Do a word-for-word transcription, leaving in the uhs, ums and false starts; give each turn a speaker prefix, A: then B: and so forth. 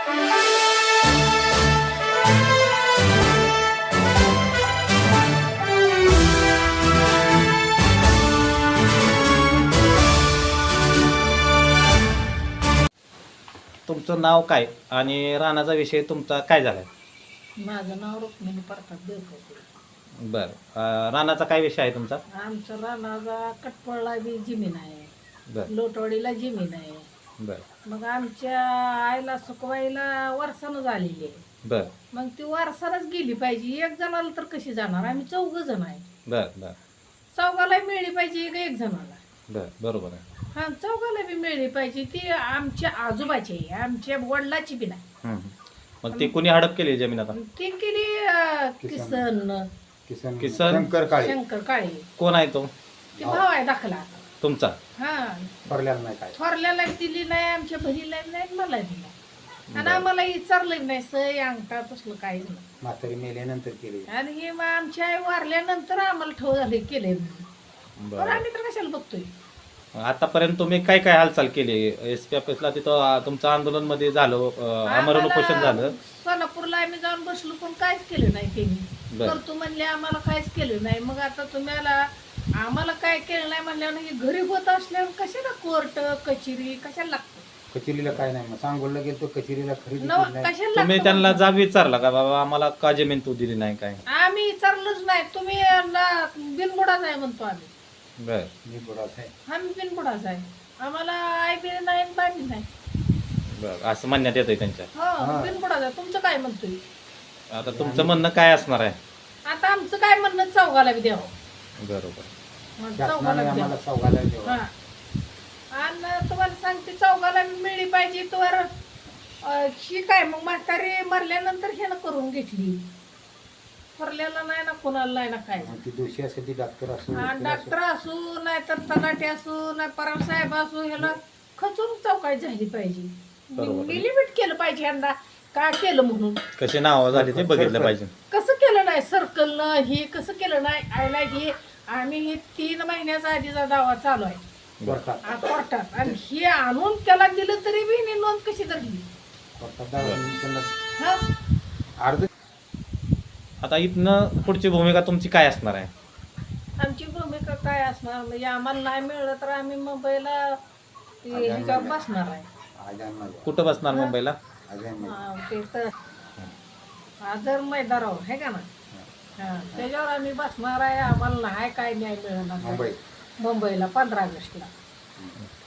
A: तुमचं नाव काय आणि रानाचा विषय तुमचा काय झालाय?
B: माझं नाव रुक्मिणी प्रताप देवकर.
A: बर, रानाचा काय विषय आहे तुमचा?
B: आमचं रानाचा कटपळला बी जमीन आहे,
A: बर
B: लोटवाडीला जमीन आहे.
A: बर
B: मग आमच्या आईला सुकवायला वारसानं झालेली आहे.
A: बर
B: मग ती वारसानच गेली पाहिजे. एक जणाला तर कशी जाणार? आम्ही चौघ जण आहे.
A: बर बर
B: चौघाला मिळली पाहिजे का एक जणाला?
A: बर बरोबर आहे.
B: हा, चौघाला बी मिळली पाहिजे. ती आमच्या आजोबाची आहे, आमच्या वडिलाची बी नाही.
A: हम्म. मग ती कुणी हडप केली जमीन आता?
B: ती केली अं, किसन
C: किसन
A: किसन
C: शंकर काळे
B: शंकर काळे.
A: कोण आहे तो?
B: ती भाव आहे दाखला.
A: तुमचा?
B: हा,
C: भरल्याला नाही काय
B: थोरल्याला दिली नाही, आमच्या बहिणीला नाही, मला दिला. आणि आम्हाला विचारलं नाही, सय अंगठा तसलं काहीच नाही.
C: म्हातारी मेल्यानंतर केले.
B: आणि हे मग आमच्या आई वारल्यानंतर आम्हाला ठेव झाले केले. पण
A: बर,
B: आम्ही तर कशाला बघतोय?
A: आतापर्यंत तुम्ही काय काय हालचाल केली? एस पी ऑफिसला तिथं अं, तुमचं आंदोलन मध्ये झालं, अं, आमरण उपोषण झालं.
B: सोलापूरला आम्ही जाऊन बसलो, पण काहीच केलं नाही त्यांनी.
A: बर.
B: करतो म्हणले, आम्हाला काहीच केलं नाही. मग आता तुम्हाला आम्हाला काय केलं नाही म्हणल्यावर हे घरी होत असल्यावर कशाला कोर्ट कचेरी कशाला लागतं?
C: कचेरीला काय नाही, मग सांगोलला गेलो कचेरीला खरेदी
B: नव
C: केली नाही.
B: कशाला
A: तुम्ही
B: लागतं?
A: त्यांना जाब विचारला का बाबा आम्हाला का जमीन तू दिली नाही काय?
B: आम्ही विचारलंच नाही. तुम्ही यांना बिनबुडाच आहे म्हणतो आम्ही.
A: बर
C: मी बुडाच आहे.
B: आम्ही बिनबुडाच आहे. आम्हाला आई बी नाही बांधली नाही.
A: बर, असं म्हणण्यात येतंय त्यांच्या.
B: हो, बिनबुडाच आहे. तुमचं काय म्हणतोय?
A: आता तुमचं म्हणणं काय असणार आहे?
B: आता आमचं काय म्हणणं, चौघाला बी द्यावं.
A: बरोबर.
B: मग
C: शासनाने
B: चौघाला बी
C: आम्हाला
B: द्यावं.
C: चौघाला द्यावं.
B: हा. आणि तुम्हाला सांगते, चौघाला बी मिळली पाहिजे. तर अं, ही काय मग म्हातारी मरल्यानंतर ह्यानं करून घेतली. मरल्याला नाही ना, कोणाला नाही ना काय.
C: मग ती दोषी असेल ती डॉक्टर असो
B: हा,
C: वकील असो.
B: डॉक्टर असू नाही तर तलाठी असू नाही परार साहेब असू, ह्याला खचून चौकाई झाली पाहिजे.
A: बरोबर.
B: लिमिट केलं पाहिजे यांना का केलं म्हणून.
A: कशी नावं झाली ते बघितलं पाहिजे.
B: कसं केलं नाही सर्कलनं, हे कसं केलं नाही आयला. हे आम्ही हे तीन महिन्याचा आधीचा दावा चालू आहे
C: कोर्टात.
B: आ, कोर्टात. आणि हे आणून त्याला दिलं तरी बी हिने नोंद कशी धरली?
C: कोर्टात दावा त्यांना
B: हा,
C: अर्ज
A: आता इथनं पुढची भूमिका तुमची काय असणार आहे?
B: आमची भूमिका काय असणार म्हणजे आम्हाला नाही मिळलं तर आम्ही मुंबईला ते ह्याच्यावर बसणार आहे.
C: आजान माझ्या
A: कुठं बसणार मुंबईला?
C: आजान माझ्या
B: हा, ते तर आदर मैदारावर आहे का ना. हा, त्याच्यावर आम्ही बसणार आहे. आम्हाला नाही काय न्याय मिळणार
C: मुंबई
B: मुंबईला पंधरा ऑगस्टला.